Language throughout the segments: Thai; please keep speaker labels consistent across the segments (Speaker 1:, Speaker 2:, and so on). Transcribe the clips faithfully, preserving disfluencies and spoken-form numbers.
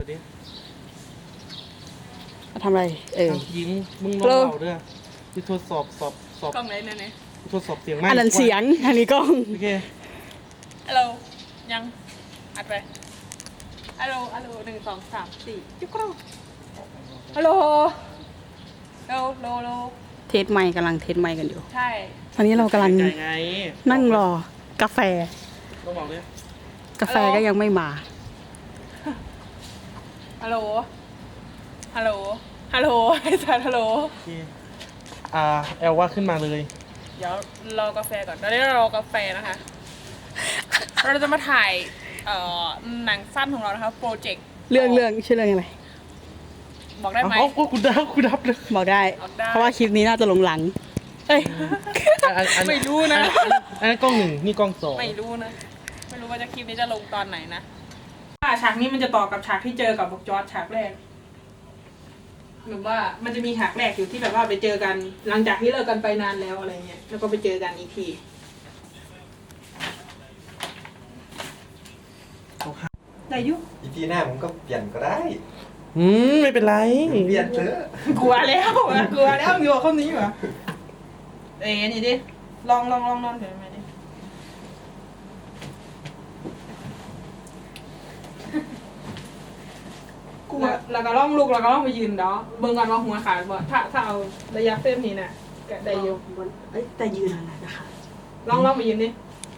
Speaker 1: ทำอะไรเออ
Speaker 2: ยิ้มมึงลองเบาด้วยที่ทดสอบสอบสอบ
Speaker 3: กล้องไหนเนี่ยเนี่ย
Speaker 2: ทดสอบเสียงไม่
Speaker 1: อันนั้นเสียงอันนี้กล้อง
Speaker 2: โอเค
Speaker 3: ฮัลโหลยังอัดไปฮัลโหลฮัลโหลหนึ่งสองสามสี่จุ๊กกรูฮัลโหลโลโลโล
Speaker 1: เทสไมค์กำลังเทสไมค์กันอยู่
Speaker 3: ใช่
Speaker 1: ตอนนี้เรากำลังนั่งรอกาแฟ
Speaker 2: ต้องบอกเลย
Speaker 1: กาแฟก็ยังไม่มา
Speaker 3: ฮัลโหลฮัลโหลฮัลโหลไอ้สัตว์ฮัลโหล
Speaker 2: อ่าแอลว่าขึ้นมาเลย
Speaker 3: เดี๋ยวรอกาแฟก่อนตอนนี้เรารอกาแฟนะคะเราจะมาถ่ายเอ่อหนังสั้นของเรานะคะโปรเจกต์
Speaker 1: เรื่องเรื่องชื่อเรื่องอะไร
Speaker 3: บอกได้ไหม
Speaker 2: อ๋อกูดับกูดับเลย
Speaker 1: บอกได้เพราะว่าคลิปนี้น่าจะลงหลังเอ้ย
Speaker 3: ไม่รู้นะ
Speaker 2: อันนั้นกล้องหนึ่งนี่กล้องสอง
Speaker 3: ไม่รู้นะไม่รู้ว่าจะคลิปนี้จะลงตอนไหนนะฉากนี้มันจะต่อกับฉากที่เจอกับบอกจอร์จฉากแรกหรือว่ามันจะมีฉากแรกอยู่ที่แบบว่าไปเจอกันหลังจากที่เลิกกันไปนานแล้วอะไรเงี้ยแล้วก็ไปเจอกันอีกทีได้ยุ
Speaker 4: อีพีหน้าผมก็เปลี่ยนก็ได้
Speaker 2: อืมไม่เป็นไร
Speaker 4: เปลี่ยนเถอะ
Speaker 3: กลัวแล้วกลัวแล้วอยู่กับคนนี้เหรอเอ้ยนี่ดิลองลองลองนอนเดี๋ยวมาดิกลัวแล้วก็ล่องลูกแล้วก็ล่องไปยืนเนาะเบิ่งกันว่าหัวขาดบ่ถ้าถ้าเอาระยะเส้นนี้น่ะก็ได้อยู่
Speaker 1: เอ้ยแต่ยืนอะไรนะคะ
Speaker 3: ลองลองไปยืนดิ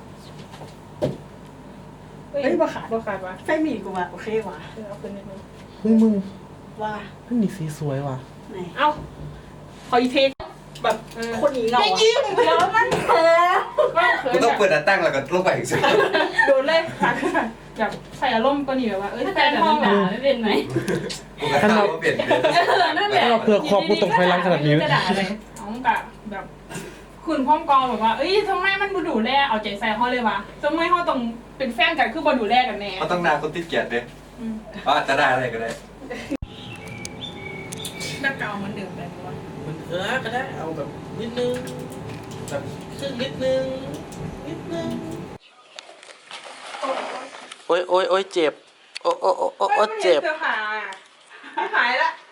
Speaker 3: เฮ้ยบ่ขาดบ่ขาดวะ
Speaker 1: ไฟมีกูว่ะโอเคว่ะ
Speaker 3: เอาขึ้นนิดนึง
Speaker 2: เฮ้ยมึง
Speaker 1: ว่า
Speaker 2: นั่นนี่สีสวยว่ะ
Speaker 1: ไหน
Speaker 3: เอ้าขออีเทคแบบ
Speaker 1: คนนี้เงา
Speaker 3: ไม่ยิ้มเดี๋ยวมันเขิน
Speaker 4: กูต้องเปิดอันตั้งแล้วก็ลงไปอีกสิ
Speaker 3: โดนเลยขาดแบบใส่อารมณ์ก็นี่แบบว่าเอ้ย
Speaker 5: แฟนมองด่าไม่เป็นไหม
Speaker 4: กูก็ถามว่าเปลี่ยน
Speaker 3: นั่นแหละ
Speaker 2: เราเผื่อขอบกูตกไฟลังขนาดนี้
Speaker 3: จะด่าอะไรน้องกับแบบคุณพ่อมกองแบบว่าเอ้ยทำไมมันบูดูแลเอาใจใส่เขาเลยวะทำไมเขาต้องเป็นแฟนกันคือบดูแลกันแน่
Speaker 4: เขาต้องนาคนติดเกียรติเลยว่าจะได้อะไรก็ได้
Speaker 3: หน้าเก่าเหมือนเดิมแบบว่า
Speaker 2: มันเออก็ได้เอาแบบนิดนึงแบบครึ่งนิดนึงนิดนึงโอ้ยโอ้ยโอ้ยเจ็บโอ้โอ้โอ้โอ้เจ็บ
Speaker 3: หายหายละ